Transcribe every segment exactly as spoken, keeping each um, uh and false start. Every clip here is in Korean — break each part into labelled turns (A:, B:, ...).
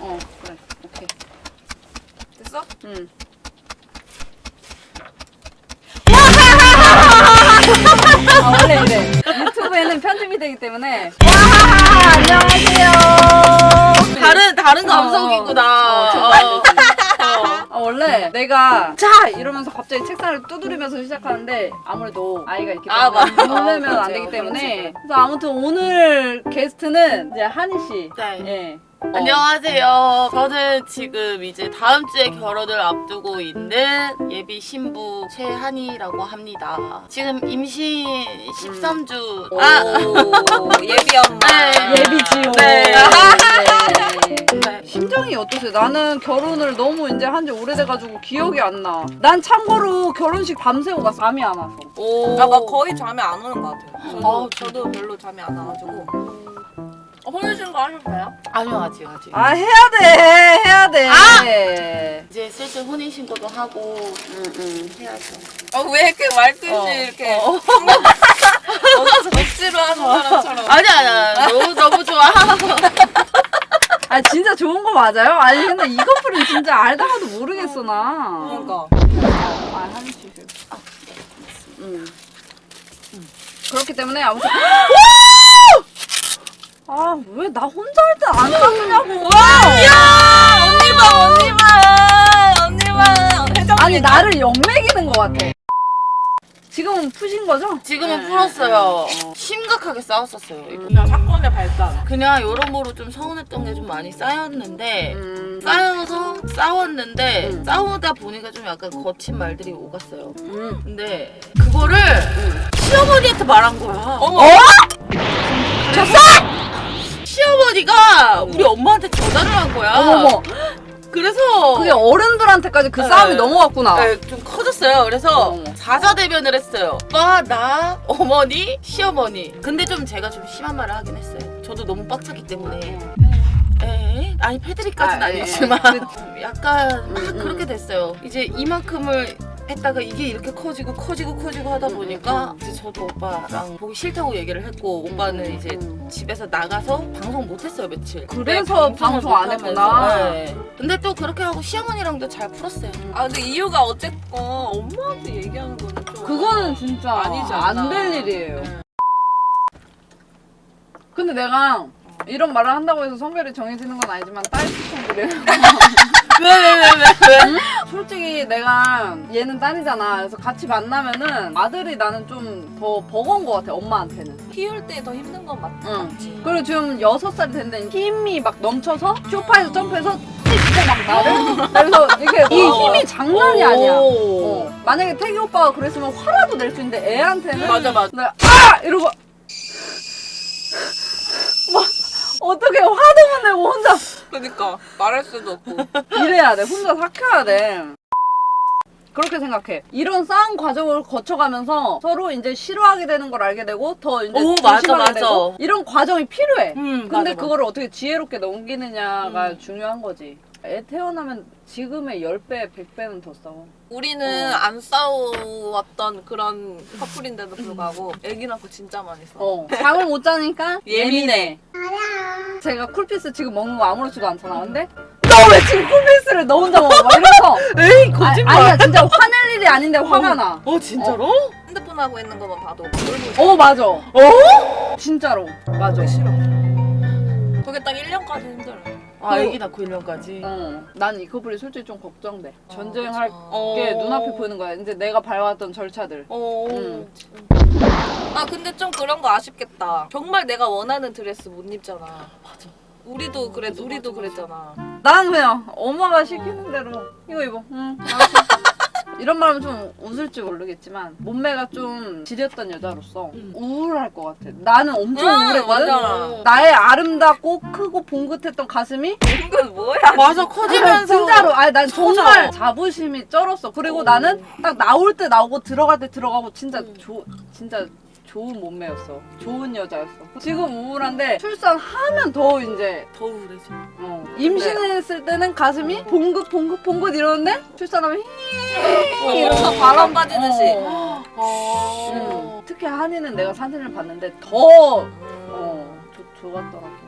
A: 어 그래 오케이
B: 됐어?
A: 응. 아 원래 이래 유튜브에는 편집이 되기 때문에 와하하 안녕하세요
B: 다른 다른
A: 어,
B: 감성이구나.
A: 어, 저
B: 어, 어.
A: 아, 원래 내가 자 이러면서 갑자기 책상을 두드리면서 시작하는데 아무래도 아이가 있기
B: 아,
A: 때문에
B: 맞아.
A: 놀래면
B: 어,
A: 안 되기
B: 그렇지,
A: 때문에
B: 그렇지.
A: 그래서 아무튼 오늘 게스트는 이제 한희 씨.
B: 네.
A: 예. 어.
B: 안녕하세요. 저는 지금 이제 다음 주에 결혼을 앞두고 있는 예비 신부 최한이라고 합니다. 지금 임신 십삼 주.
A: 오,
B: 아,
C: 예비 엄마.
B: 네.
A: 예비지요.
B: 네.
A: 네.
B: 네.
A: 심정이 어떠세요? 나는 결혼을 너무 이제 한 지 오래돼가지고 기억이 안 나. 난 참고로 결혼식 밤새고 갔어. 잠이 안 와서.
B: 오.
C: 아, 나 거의 잠이 안 오는 것 같아요. 저도,
A: 아,
C: 저도 별로 잠이 안 와가지고. 어, 혼인신고 하셨어요?
B: 아니요, 아직 아직.
A: 아 해야 돼, 해야 돼. 아!
B: 이제 슬슬 혼인 신고도 하고
A: 응, 응.
B: 해야죠.
C: 어, 왜 이렇게 말뜻이
A: 어.
C: 이렇게
B: 어.
C: 억지로 하는 사람처럼.
B: 아니 아니야. 너무 너무 좋아.
A: 아 진짜 좋은 거 맞아요? 아니 근데 이 커플은 진짜 알다가도 모르겠어 나.
C: 그러니까.
A: 아 한희 씨. 아, 응. 응. 그렇기 때문에 아무튼. 아 왜 나 혼자 할 때 안 깎느냐고.
C: 야 언니 봐, 언니 봐, 언니 봐. 회장
A: 아니 나를 역매기는 것 같아. 지금은 푸신 거죠?
B: 지금은
A: 네,
B: 풀었어요.
A: 네, 네.
B: 심각하게 싸웠었어요. 이거.
C: 그냥 사건의 발단.
B: 그냥 여러모로 좀 서운했던 게 좀 많이 쌓였는데
A: 음,
B: 쌓여서 싸웠는데
A: 음.
B: 싸우다 보니까 좀 약간 거친 말들이 오갔어요.
A: 음.
B: 근데 그거를 시어머니한테 말한 거야.
C: 어머.
A: 어?
B: 시어머니가 우리 엄마한테 전화를 한 거야.
A: 어머머.
B: 그래서
A: 그게 어른들한테까지 그
B: 네.
A: 싸움이 넘어갔구나.
B: 네, 좀 커졌어요. 그래서
A: 어머.
B: 사자대변을 했어요. 오빠, 나, 어머니, 시어머니. 근데 좀 제가 좀 심한 말을 하긴 했어요. 저도 너무 빡쳤기 때문에. 에? 아니 패드립까지는
A: 아,
B: 아,
A: 예,
B: 아니지만
A: 예.
B: 약간 막
A: 음,
B: 그렇게 됐어요. 이제 이만큼을 했다가 이게 이렇게 커지고 커지고 커지고 하다 보니까 이제 저도 오빠랑 보기 싫다고 얘기를 했고 오빠는 이제
A: 음.
B: 집에서 나가서 방송 못했어요 며칠.
A: 그래서
B: 네,
A: 방송 안
B: 못하면서.
A: 했구나.
B: 네. 근데 또 그렇게 하고 시어머니랑도 잘 풀었어요.
C: 아, 근데 이유가 어쨌건 엄마한테 얘기하는 거는 좀.
A: 그거는 진짜
C: 아니지 않나.
A: 안 될 일이에요.
C: 네.
A: 근데 내가 이런 말을 한다고 해서 성별이 정해지는 건 아니지만 딸 추천드려요.
B: 왜 왜 왜 왜 왜?
A: 솔직히 내가 얘는 딸이잖아. 그래서 같이 만나면은 아들이 나는 좀 더 버거운 것 같아 엄마한테는.
C: 키울 때 더 힘든 건 맞,
A: 응.
C: 맞지.
A: 그리고 지금 여섯 살이 됐는데 힘이 막 넘쳐서 소파에서 점프해서 찍고 막 나를. 그래서 이게 이 힘이 장난이 아니야.
B: 오.
A: 어. 만약에 태기 오빠가 그랬으면 화라도 낼 수 있는데 애한테는
B: 맞아 맞아.
A: 내가 아! 이러고 막 어떻게 화도 못 내고 혼자
C: 그러니까 말할 수도 없고.
A: 이래야 돼. 혼자 삭혀야 돼. 그렇게 생각해. 이런 싸움 과정을 거쳐가면서 서로 이제 싫어하게 되는 걸 알게 되고 더 이제
B: 오, 맞아,
A: 조심하게
B: 맞아.
A: 되고 이런 과정이 필요해.
B: 음,
A: 근데
B: 맞아,
A: 그거를 어떻게 지혜롭게 넘기느냐가
B: 음.
A: 중요한 거지. 애 태어나면 지금의 십 배, 백 배는 더 싸워.
C: 우리는
A: 어.
C: 안 싸워왔던 그런 커플인데도 불구하고 애기 낳고 진짜 많이 싸워.
A: 어. 잠을 못 자니까
C: 예민해.
A: 제가 쿨피스 지금 먹는 거 아무렇지도 않잖아. 근데 너 왜 지금 쿨피스를 너 혼자 먹어? 막 이러면서
B: 에이
A: 아,
B: 거짓말.
A: 아니야 진짜 화낼 일이 아닌데 화가 나.
B: 어 진짜로?
C: 핸드폰 하고 있는 것만 봐도
A: 어 맞아.
B: 어?
A: 진짜로. 맞아.
C: 싫어. 그게 딱 일 년까지 힘들어.
B: 아 애기 낳고 일 년까지.
A: 어, 난 이 커플이 솔직히 좀 걱정돼. 전쟁할
C: 어,
A: 게 눈앞에 보이는 거야. 이제 내가 밟았던 절차들.
B: 어.
A: 음.
C: 아 근데 좀 그런 거 아쉽겠다. 정말 내가 원하는 드레스 못 입잖아.
B: 맞아.
C: 우리도 그래,
B: 맞아,
C: 우리도
B: 맞아,
C: 그랬잖아.
A: 난 그냥 엄마가 시키는 대로 이거 입어. 응. 알았어. 이런 말하면 좀 웃을지 모르겠지만 몸매가 좀 지렸던 여자로서
B: 음.
A: 우울할 것 같아. 나는 엄청
C: 응,
A: 우울했거든.
C: 맞아.
A: 나의 아름답고 크고 봉긋했던 가슴이
C: 이건 뭐야?
B: 맞아 커지면서.
A: 진짜로 아니 난
B: 커져.
A: 정말 자부심이 쩔었어. 그리고
B: 오.
A: 나는 딱 나올 때 나오고 들어갈 때 들어가고 진짜
B: 음.
A: 조 진짜 좋은 몸매였어. 좋은 여자였어. 지금 우울한데 출산하면 더 이제
B: 더 우울해져.
A: 어, 임신했을 때는 가슴이 봉긋 봉긋 봉긋 이러는데 출산하면 히
C: 이러면서 바람 빠지듯이.
A: 어.
B: 어.
A: 음. 특히 한이는 내가 사진을 봤는데 더 어, 좋- 좋았더라고.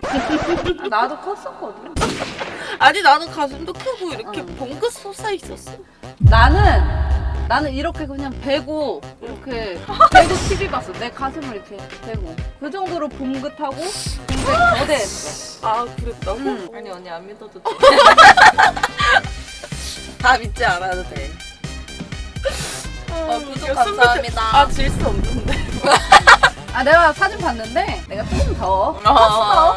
A: 나도 컸었거든.
B: 아니 나는 가슴도 크고 이렇게
A: 어.
B: 봉긋 솟아 있었어.
A: 나는 나는 이렇게 그냥 베고 이렇게 베고 티비 봤어. 내 가슴을 이렇게 베고 그 정도로 봉긋하고 굉장히 거대했어.
B: 아 그랬다고?
A: 응.
C: 아니 언니 안 믿어도 돼. 다 믿지 않아도 돼. 어, 구독 감사합니다.
B: 아질 수 없는데.
A: 아 내가 사진 봤는데 내가 조금 더 컸어.
C: 어.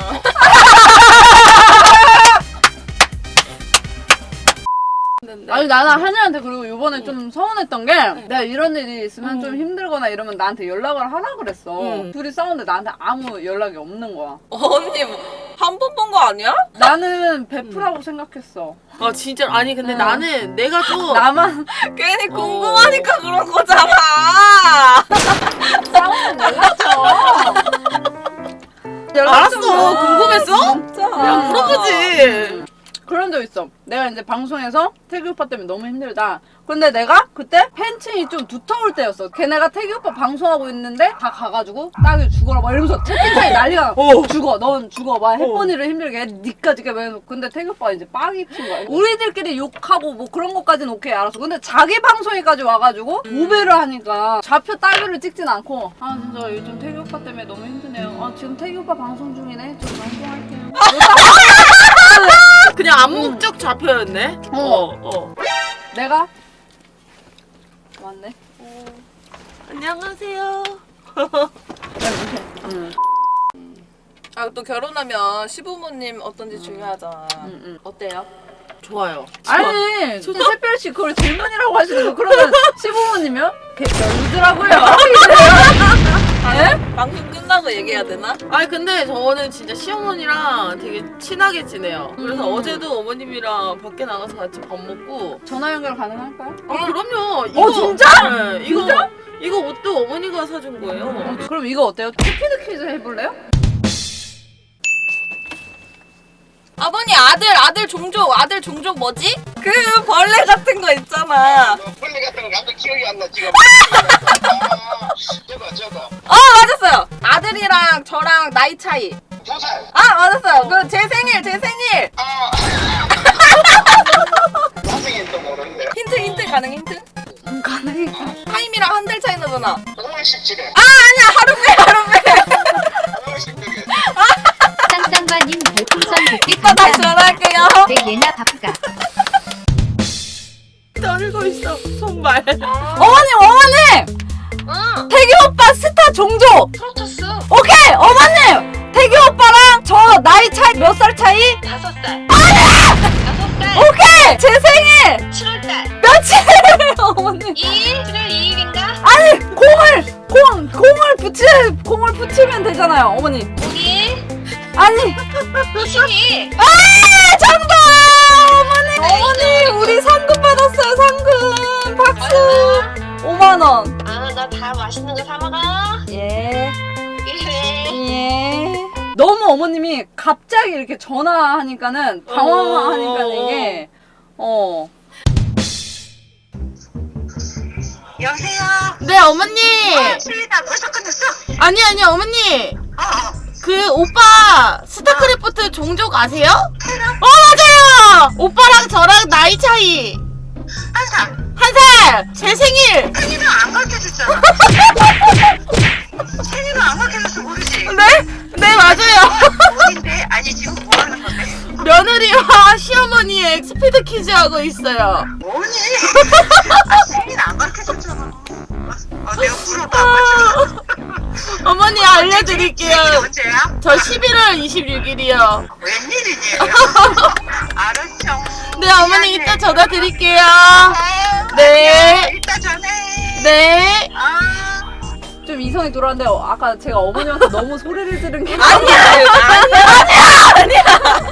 A: 아니 나는 한이한테 그리고 이번에 좀 서운했던 게 내가 이런 일이 있으면 좀 힘들거나 이러면 나한테 연락을 하라 그랬어.
B: 응.
A: 둘이 싸우는데 나한테 아무 연락이 없는 거야.
C: 언니 한 번 본 거 아니야?
A: 나는 베프라고 생각했어.
B: 아 진짜 아니 근데
A: 응.
B: 나는 내가 좀
A: 나만
C: 괜히
B: 어.
C: 궁금하니까 그런 거잖아.
A: 싸우면 연락 줘. 연락
B: 알았어
A: 좀 줘.
B: 궁금했어?
C: 진짜.
B: 야 물어보지.
A: 그런 적 있어. 내가 이제 방송에서 태기 오빠 때문에 너무 힘들다. 근데 내가 그때 팬층이 좀 두터울 때였어. 걔네가 태기 오빠 방송하고 있는데 다 가가지고 딱이 죽어라 막 이러면서 채팅창에 난리가 나.
B: 어.
A: 죽어, 넌 죽어, 막 햇번이를 힘들게 해. 니까지 게 왜? 근데 태기 오빠가 이제 빡이 친 거야. 우리들끼리 욕하고 뭐 그런 것까지는 오케이 알았어. 근데 자기 방송에까지 와가지고 도배를 하니까 좌표 따위를 찍진 않고 아 진짜 요즘 태기 오빠 때문에 너무 힘드네요. 아 지금 태기 오빠 방송 중이네. 저 방송할게요.
B: 그냥 암묵적 좌표였네.
A: 어.
B: 어. 어.
A: 내가 왔네.
B: 안녕하세요.
A: 응.
C: 아 또 결혼하면 시부모님 어떤지 중요하잖아.
A: 응, 응.
C: 어때요?
B: 좋아요.
A: 아니, 근데 새별씨 그걸 질문이라고 하시는 거 그러면 시부모님이요? 걔 별로더라고요. 예?
C: 방송 끝나고 얘기해야 되나?
B: 아니 근데 저는 진짜 시어머니랑 되게 친하게 지내요. 그래서
A: 음.
B: 어제도 어머님이랑 밖에 나가서 같이 밥 먹고.
A: 전화 연결 가능할까요?
B: 아 그럼요.
A: 어, 진짜?
B: 네, 이거
A: 진짜?
B: 이거 옷도 어머니가 사준 거예요.
A: 어, 그럼 이거 어때요? 스피드 퀴즈 해볼래요?
C: 아버님 아들 아들 종족 아들 종족 뭐지? 그 벌레 같은 거 있잖아.
D: 벌레 같은 거 나도 기억이 안 나 지금. 아, 저거 저거
C: 어 맞았어요. 아들이랑 저랑 나이 차이.
D: 두 살.
C: 아 맞았어요. 그 제 생일 제 생일.
D: 아. 나중엔 또 모르는데.
C: 힌트 힌트 가능 힌트?
A: 음, 가능해.
C: 타임이랑 한 달 차이 나잖아.
D: 오월 십칠일.
C: 아 아니야 하루 빼 하루 빼.
D: 오월 십칠일.
E: 쌍쌍바님 별풍선 백 개
C: 이따 다시
E: 감사합니다.
C: 전화할게요.
E: 내 예나 바쁘가.
B: 떨고 있어 손발.
A: 어머님, 어머님!
C: 응.
A: 태기 오빠 스타 종족!
C: 프로토스
A: 오케이! 어머님! 태기 오빠랑 저 나이 차이 몇 살 차이?
C: 다섯 살. 다섯 살.
A: 오케이! 제 생일!
C: 칠월 달.
A: 며칠이에요, 어머님?
C: 이일 칠월 이일인가?
A: 아니, 공을! 공! 공을 붙이, 공을 붙이면 되잖아요, 어머니.
C: 오일
A: 아니!
C: 이십이.
A: 아! 정답! 어머니! 어머니! 우리 상금 받았어요, 상금! 박수! 오만 원.
C: 아 나 다 맛있는 거 사 먹어.
A: 예.
C: 예.
A: 예. 너무 어머님이 갑자기 이렇게 전화하니까는 당황하니까 이게 어.
D: 여보세요.
B: 네 어머니.
D: 수리다 벌써 끝났어?
B: 아니 아니 어머니.
D: 어.
B: 그 오빠 스타크래프트 종족 아세요? 어 맞아요. 오빠랑 저랑 나이 차이
D: 한 살.
B: 한 살. 제 생일.
D: 생일은 안 가르쳐줬잖아. 생일은 안 가르쳐줘서 모르지.
B: 네? 네 맞아요.
D: 어딘데? 아니 지금 뭐 하는 건데?
B: 며느리와 시어머니의 스피드 퀴즈 하고 있어요.
D: 뭐니? 아, 생일 안 가르쳐줬잖아. 아, 내가 물어도 안 가르쳐줘.
B: 어머니 알려드릴게요.
D: 생일 언제야?
B: 저 십일월 이십육일이요.
D: 웬일이니? 알았죠.
B: 네 어머니 이따 전화 드릴게요.
D: 아유,
B: 네.
D: 안녕. 이따 전화해.
B: 네.
D: 아.
A: 좀 이성이 돌아왔는데 어, 아까 제가 어머님한테 너무 소리를 들은 게
C: 아니야 아니야.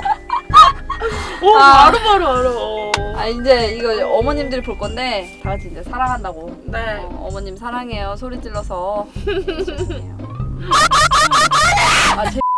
B: 오
A: 아.
B: 바로 바로 알아.
A: 아 이제 이거 어머님들이 볼 건데 다 같이 이제 사랑한다고.
B: 네.
A: 어, 어머님 사랑해요. 소리 질러서. 죄송해요. 아 제.